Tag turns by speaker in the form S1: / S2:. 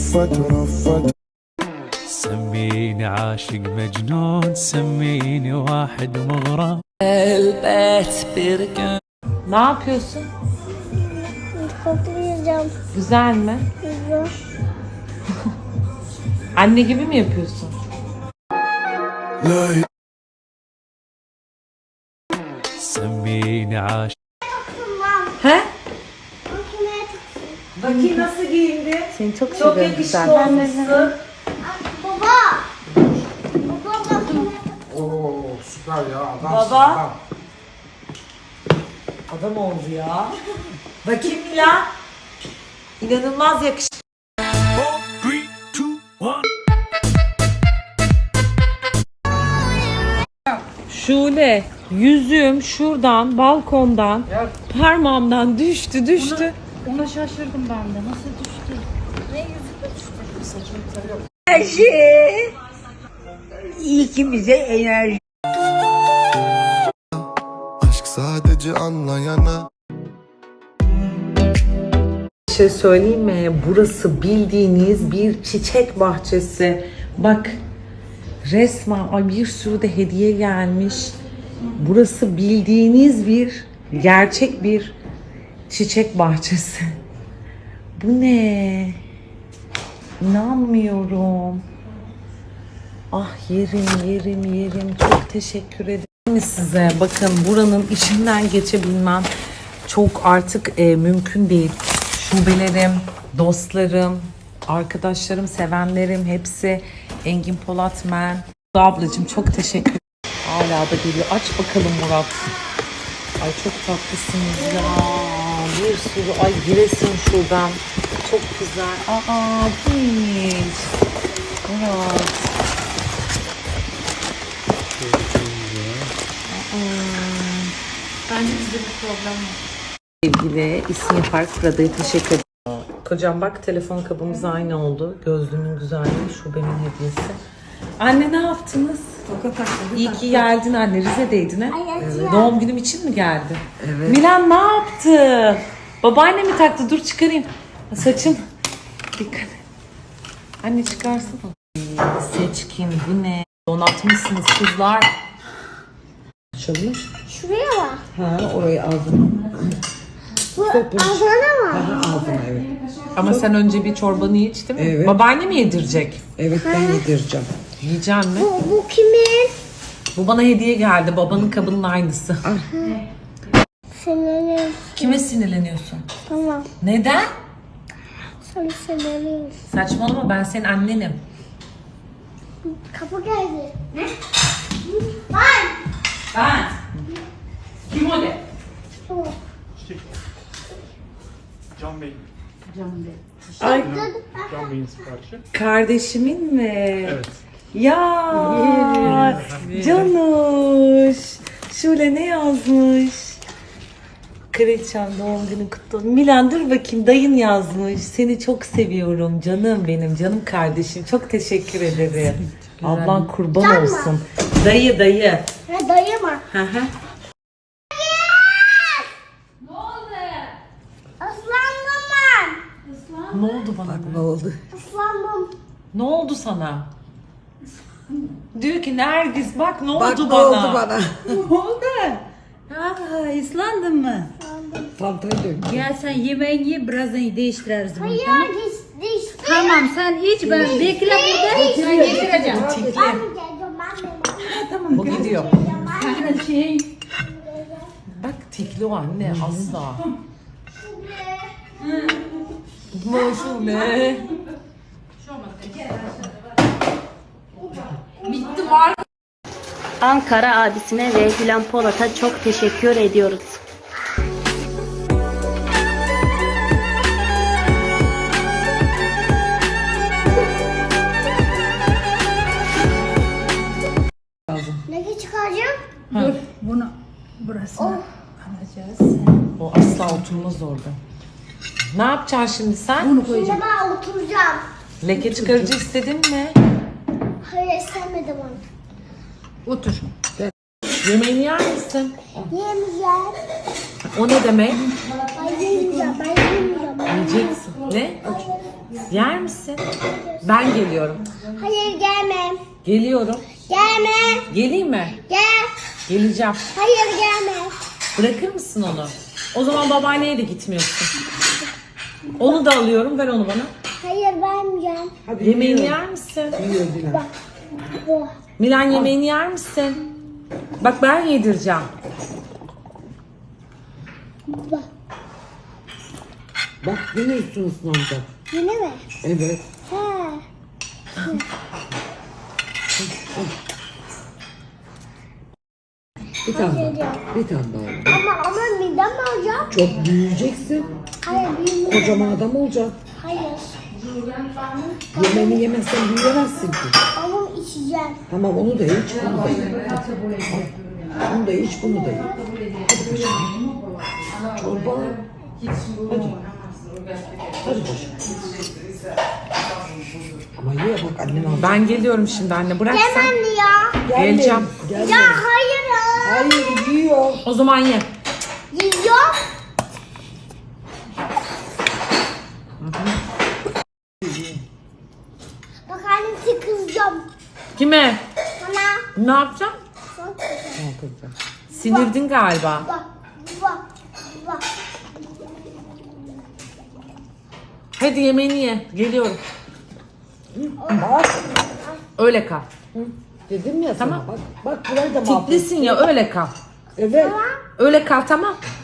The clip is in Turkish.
S1: سميني عاشق مجنون سميني واحد مغرم.
S2: Elbet bir gün. Ne yapıyorsun?
S3: Koklayacağım.
S2: Güzel mi?
S3: Güzel.
S2: Anne gibi mi yapıyorsun?
S1: سميني عاشق.
S2: He?
S3: Makineye tıksın.
S2: Bakayım nasıl giyindi?
S4: Seni çok
S2: Çok
S4: seviyorum
S2: yakışıklı
S4: güzel.
S2: olmuşsun.
S3: Baba. Baba makineye tıksın.
S5: Oo süper ya adamsın
S2: Baba.
S5: adam.
S2: Adam oldu ya. Bakayım Mila. İnanılmaz yakışıklı.
S1: 4, 3, 2, 1.
S2: Şule, yüzüm şuradan balkondan parmağımdan düştü.
S4: Ona şaşırdım ben de. Nasıl düştü?
S6: İkimize enerji.
S7: Aşk sadece anlayana.
S2: Bir şey söyleyeyim mi? Burası bildiğiniz bir çiçek bahçesi. Bak resmen bir sürü de hediye gelmiş. Burası bildiğiniz bir gerçek bir çiçek bahçesi. Bu ne? İnanmıyorum. Ah yerim. Çok teşekkür ederim size. Bakın buranın içinden geçebilmem çok artık mümkün değil. Şubelerim, dostlarım, arkadaşlarım, sevenlerim hepsi Engin Polatmen. Ablacığım çok teşekkür ederim. Hala da geliyor. Aç bakalım Murat. Ay çok tatlısınız ya. Bir sürü. Ay giresin şuradan. Çok güzel. Aa hiç. Murat.
S4: Bence bizde bir problem var.
S2: Sevgili İsmi Park Prada'ya teşekkür ederim. Kocam bak telefon kabımız aynı oldu. Gözlüğümün güzelliği şubemin hediyesi. Anne ne yaptınız? İyi ki geldin anne. Rize'deydin ha?
S3: Evet.
S2: Doğum günüm için mi geldin? Evet. Milan ne yaptı? Babaanne mi taktı? Dur çıkarayım. Saçım. Dikkat et. Anne çıkarsana. Seçkin bu ne? Donatmışsınız kızlar. Açalım.
S3: Şuraya bak.
S5: Ha orayı aldım.
S3: Bu ağzına mı?
S5: Aldım evet.
S2: Ama sen önce bir çorbanı iç değil mi?
S5: Evet.
S2: Babaanne mi yedirecek?
S5: Evet ben yedireceğim.
S2: Yiyeceğim mi?
S3: Bu kimin?
S2: Bu bana hediye geldi. Babanın kabının aynısı.
S3: Sinirliyim.
S2: Kime sinirleniyorsun?
S3: Tamam.
S2: Neden?
S3: Sana sinirliyim.
S2: Saçmalama ben senin annenim.
S3: Kapı geldi. Ne?
S2: Ben. Kim o de?
S3: Tamam.
S8: Can Bey.
S2: Ay
S8: Can Bey'in siparişi.
S2: kardeşimin mi?
S8: Evet.
S2: Ya Canuş. Şule ne yazmış? Kraliçem doğum günün kutlu olsun. Milan dur bakayım dayın yazmış. Seni çok seviyorum canım benim canım kardeşim. Çok teşekkür ederim. Ablan kurban olsun. Dayı.
S3: Ha dayı mı?
S2: Hı hı.
S3: Islandım ben.
S2: Ne oldu bana?
S5: Ne oldu?
S3: Islandım.
S2: Ne oldu sana? Diyor ki Nergis bak ne oldu
S5: Bak ne
S2: bana?
S5: oldu bana?
S4: Ne oldu? Aa, ıslandın mı?
S5: Fantayı dök.
S4: Gel sen yemeğini ye, birazdan değiştiririz bunu.
S3: Hayır
S4: Tamam.
S3: düştü.
S4: Tamam sen iç, ben bekle burada. Ben getireceğim.
S2: Tikli.
S3: Ben mi geleceğim ben de.
S4: Tamam.
S2: Bu gidiyor.
S4: Sana şey.
S2: Bak tikli o anne asla. Maşule.
S9: Ankara abisine ve Gülen Polat'a çok teşekkür ediyoruz.
S3: Ne çıkaracağım?
S4: Dur bunu burasına alacağız.
S2: O asla oturmaz orada. Ne yapacaksın şimdi sen?
S4: Bunu koyacağım.
S3: Şimdi ben oturacağım.
S2: Leke çıkarıcı istedin mi?
S3: Hayır istemedim onu.
S4: Otur.
S2: Yemeğini yer misin?
S3: Yemeyeceğim.
S2: O ne demek?
S3: Ben yemeyeceğim. Ben yemeyeceğim.
S2: Yiyeceksin. Ne? Yer misin? Ben geliyorum.
S3: Hayır gelmem.
S2: Geliyorum.
S3: Gelme.
S2: Geleyim mi?
S3: Gel.
S2: Geleceğim.
S3: Hayır gelme.
S2: Bırakır mısın onu? O zaman babaanneye de gitmiyorsun. Onu da alıyorum. Ver onu bana.
S3: Hayır vermeyeceğim.
S5: Hadi
S2: Yemeğini
S5: yiyor.
S2: yer misin?
S5: Yiyor Dilan.
S3: Bu.
S2: Milan yemeğini yer misin? Bak ben yedireceğim.
S3: Bu.
S5: Bak yine üstün ıslanacak.
S3: Yine mi?
S5: Evet.
S3: Ha.
S5: Bir tane daha. Bir tane daha.
S3: Ama midem mi alacağım?
S5: Çok büyüyeceksin.
S3: Hayır büyümeyeceğim.
S5: Kocaman adam olacaksın.
S3: Hayır.
S5: Yemeğini yemezsen büyüyemezsin ki.
S3: Ama içeceğim.
S5: Tamam onu da iç, bunu da ye. Hadi. Bunu da iç, bunu da ye. Hadi paşam. Çorba. Hadi. Hadi paşam. Ama ye bak annen alacak.
S2: Ben geliyorum şimdi anne. Bırak sen.
S3: Hemen ya.
S2: Geleceğim.
S5: Gelme.
S3: Ya hayır.
S5: Hayır yiyor.
S2: O zaman ye.
S3: Yiyor. Bak annesi kızacağım.
S2: Kime?
S3: Sana.
S2: Ne yapacağım?
S3: Bak.
S5: Tamam kızım.
S2: Sinirdin galiba.
S3: Bak. Bak. Bak.
S2: Hadi yemeğini ye. Geliyorum.
S5: Bak.
S2: Öyle kal.
S5: Dedim ya
S2: Tamam.
S5: sana bak. Bak burayı da mahvettin.
S2: Kitlisin ya öyle kal.
S5: Evet.
S2: Öyle kal tamam.